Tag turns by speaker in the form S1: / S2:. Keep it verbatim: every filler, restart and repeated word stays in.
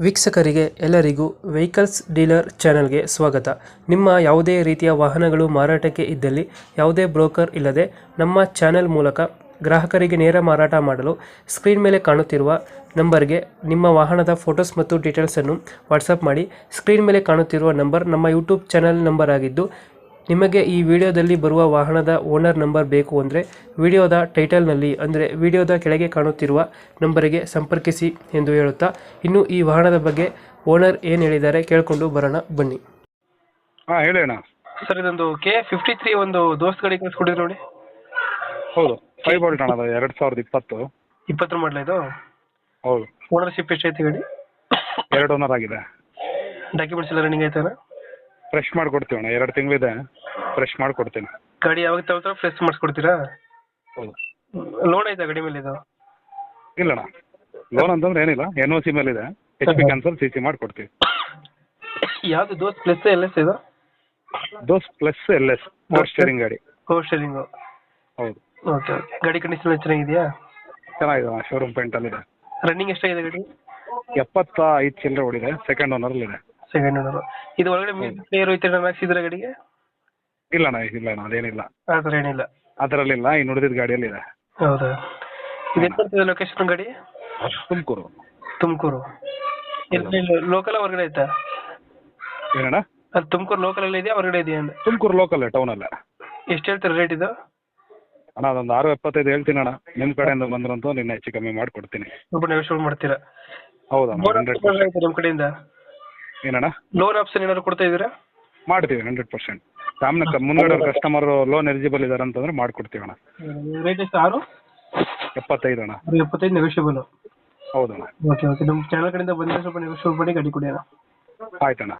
S1: ವೀಕ್ಷಕರಿಗೆ ಎಲ್ಲರಿಗೂ vehicles dealer ಚಾನೆಲ್ಗೆ ಸ್ವಾಗತ. ನಿಮ್ಮ ಯಾವುದೇ ರೀತಿಯ ವಾಹನಗಳು ಮಾರಾಟಕ್ಕೆ ಇದ್ದಲ್ಲಿ ಯಾವುದೇ ಬ್ರೋಕರ್ ಇಲ್ಲದೆ ನಮ್ಮ ಚಾನೆಲ್ ಮೂಲಕ ಗ್ರಾಹಕರಿಗೆ ನೇರ ಮಾರಾಟ ಮಾಡಲು ಸ್ಕ್ರೀನ್ ಮೇಲೆ ಕಾಣುತ್ತಿರುವ ನಂಬರ್ಗೆ ನಿಮ್ಮ ವಾಹನದ ಫೋಟೋಸ್ ಮತ್ತು ಡೀಟೇಲ್ಸನ್ನು ವಾಟ್ಸಪ್ ಮಾಡಿ. ಸ್ಕ್ರೀನ್ ಮೇಲೆ ಕಾಣುತ್ತಿರುವ ನಂಬರ್ ನಮ್ಮ ಯೂಟ್ಯೂಬ್ ಚಾನೆಲ್ ನಂಬರ್ ಆಗಿದ್ದು, ನಿಮಗೆ ಈ ವಿಡಿಯೋದಲ್ಲಿ ಬರುವ ವಾಹನದ ಓನರ್ ನಂಬರ್ ಬೇಕು ಅಂದರೆ ವಿಡಿಯೋದ ಟೈಟಲ್ನಲ್ಲಿ ಅಂದರೆ ವಿಡಿಯೋದ ಕೆಳಗೆ ಕಾಣುತ್ತಿರುವ ನಂಬರಿಗೆ ಸಂಪರ್ಕಿಸಿ ಎಂದು ಹೇಳುತ್ತಾ, ಇನ್ನು ಈ ವಾಹನದ ಬಗ್ಗೆ ಓನರ್ ಏನು ಹೇಳಿದ್ದಾರೆ ಕೇಳಿಕೊಂಡು ಬರೋಣ ಬನ್ನಿ.
S2: ಹಾಂ ಹೇಳಿ ಅಣ್ಣ.
S1: ಸರ್, ಇದೊಂದು ಕೆ ಫಿಫ್ಟಿ ತ್ರೀ ಒಂದು ದೋಸ್ತ್ ಗಾಡಿ ಕಳಿಸ್ಕೊಟ್ಟಿದ್ರು ನೋಡಿ.
S2: ಹೌದು, ಫೈವ್ ಬೋಲ್ಟ್ ಅಣ್ಣ, ಅದು ಎರಡು ಸಾವಿರದ ಇಪ್ಪತ್ತು
S1: ಇಪ್ಪತ್ತರ ಮಾಡಲ ಇದು.
S2: ಹೌದು.
S1: ಓನರ್ಶಿಪ್ ಎಷ್ಟೈತೆ ಗಾಡಿ?
S2: ಎರಡು ಓನರ್ ಆಗಿದೆ.
S1: ಡಾಕ್ಯುಮೆಂಟ್ಸ್ ಎಲ್ಲ ರನ್ನಿಂಗ್ ಆಯ್ತಾನ?
S2: ಫ್ರೆಶ್ ಮಾಡಿಕೊಡ್ತೀವಿ ಅಣ್ಣ, ಎರಡು ತಿಂಗಳಿದೆ, ಫ್ರೆಶ್ ಮಾಡಿಕೊಡ್ತೀನಿ.
S1: ಗಾಡಿ ಯಾವಾಗ ತಗೋತಾರ ಫ್ರೆಶ್ ಮಾಡಿಸ್ಕೊಡ್ತೀರಾ?
S2: ಹೌದು.
S1: ಲೋನ್ ಆಯ್ತಾ ಗಾಡಿ ಮೇಲೆ ಇದು?
S2: ಇಲ್ಲ ಅಣ್ಣ, ಲೋನ್ ಅಂತಂದ್ರೆ ಏನಿಲ್ಲ, ಎನ್ ಒ ಸಿ ಮೇಲೆ ಇದೆ. H P cancel C C ಮಾಡಿಕೊಡ್ತೀವಿ.
S1: ಯಾವುದು ದೋಸ್ತ್ ಪ್ಲಸ್ ಎಲ್ ಎಸ್ ಇದು?
S2: Dost plus L S power steering ಗಾಡಿ.
S1: Power steering.
S2: ಹೌದು.
S1: Okay okay. ಗಾಡಿ ಕಂಡೀಷನ್ ಚೆನ್ನಾಗಿದೆಯಾ?
S2: ಚೆನ್ನಾಗಿದೆ ಅಣ್ಣ, ಶೋರೂಮ್ ಪೇಂಟಲ್ಲಿದೆ.
S1: ರನ್ನಿಂಗ್ ಎಷ್ಟಾಗಿದೆ ಗಾಡಿ?
S2: ಎಪ್ಪತ್ತ ಐದು ಚಿಲ್ಲರೆ ಓಡಿದೆ, ಸೆಕೆಂಡ್ ಓನರಲ್ಲಿದೆ.
S1: Second owner. ಇದು ಒಳಗಡೆ ಪ್ಲೇಯರ್ ಹೋಯ್ತಾರೆ ನಮ್ಮ ಹಾಕ್ಸಿದ್ರೆ ಗಾಡಿಗೆ?
S2: ಇಲ್ಲ ಅಣ್ಣ, ಇಲ್ಲ ಅಣ್ಣ, ಅದೇನಿಲ್ಲ,
S1: ಆ ಥರ ಏನಿಲ್ಲ.
S2: ಅದರಲ್ಲಿಲ್ಲ. ಇನ್ನು ಉಳಿದಿದ್ದ ಗಾಡಿಯಲ್ಲಿ ಇದೆ.
S1: ಹೌದಾ? ಇದು ಎಲ್ಲಿ ಲೊಕೇಶನ್ ಗಾಡಿ?
S2: ತುಮಕೂರು.
S1: ತುಮಕೂರು. ಎಲ್ಲಿ ಲೋಕಲ್ ಹೊರಗಡೆ ಆಯ್ತಾ?
S2: ಏನಣ್ಣ?
S1: ಅದು ತುಮಕೂರು ಲೋಕಲ್ ಇದೆಯಾ ಹೊರಗಡೆ ಇದೆಯಾ ಅಂತ?
S2: ತುಮಕೂರು ಲೋಕಲ್ ಟೌನಲ್ಲೇ.
S1: ಎಷ್ಟು ಹೇಳ್ತಾರೆ ರೇಟ್ ಇದು?
S2: ಅಣ್ಣ ಅದೊಂದು ಆರು ಎಪ್ಪತ್ತೈದು ಹೇಳ್ತೀನಿ ಅಣ್ಣ, ನಿಮ್ಮ ಕಡೆಯಿಂದ ಬಂದ್ರಂತೂ ನಿನ್ನ ಹೆಚ್ಚು ಕಮ್ಮಿ ಮಾಡಿಕೊಡ್ತೀನಿ.
S1: ಸ್ವಲ್ಪ ನೆಗೋಷಿಯೇಟ್ ಮಾಡ್ತೀರಾ?
S2: ಹೌದಣ್ಣ, ಹಂಡ್ರೆಡ್ ಪರ್ಸೆಂಟ್.
S1: ನಿಮ್ಮ ಕಡೆಯಿಂದ
S2: ಏನಣ್ಣ?
S1: ಲೋನ್ ಆಪ್ಷನ್ ಏನಾದ್ರು ಕೊಡ್ತಾ ಇದ್ದೀರಾ?
S2: ಮಾಡ್ತೀವಿ, ಹಂಡ್ರೆಡ್ ಪರ್ಸೆಂಟ್. ಸಾಮನೆ ಮುಂದ್ಗಡೆ ಕಸ್ಟಮರ್ ಲೋನ್ ಎಲಿಜಿಬಲ್ ಇದಾರೆ ಅಂತಂದ್ರೆ ಮಾಡ್ಕೊಡ್ತೀವಿ ಅಣ್ಣ.
S1: ರೇಟ್ ಎಷ್ಟು? ಆರು
S2: ಎಪ್ಪತ್ತೈದು ಅಣ್ಣ.
S1: ಎಪ್ಪತ್ತೈದು ನೆಗೋಷಿಯಬಲ್.
S2: ಹೌದಣ್ಣ.
S1: Okay okay. ನಮ್ಮ ಚಾನಲ್ ಕಡೆಯಿಂದ ಬಂದರೆ ಸ್ವಲ್ಪ ನೆಗೋಷಿಯೇಟ್ ಮಾಡಿ ಗಾಡಿ ಕೊಡಿ ಅಣ್ಣ.
S2: ಆಯ್ತಣ್ಣ.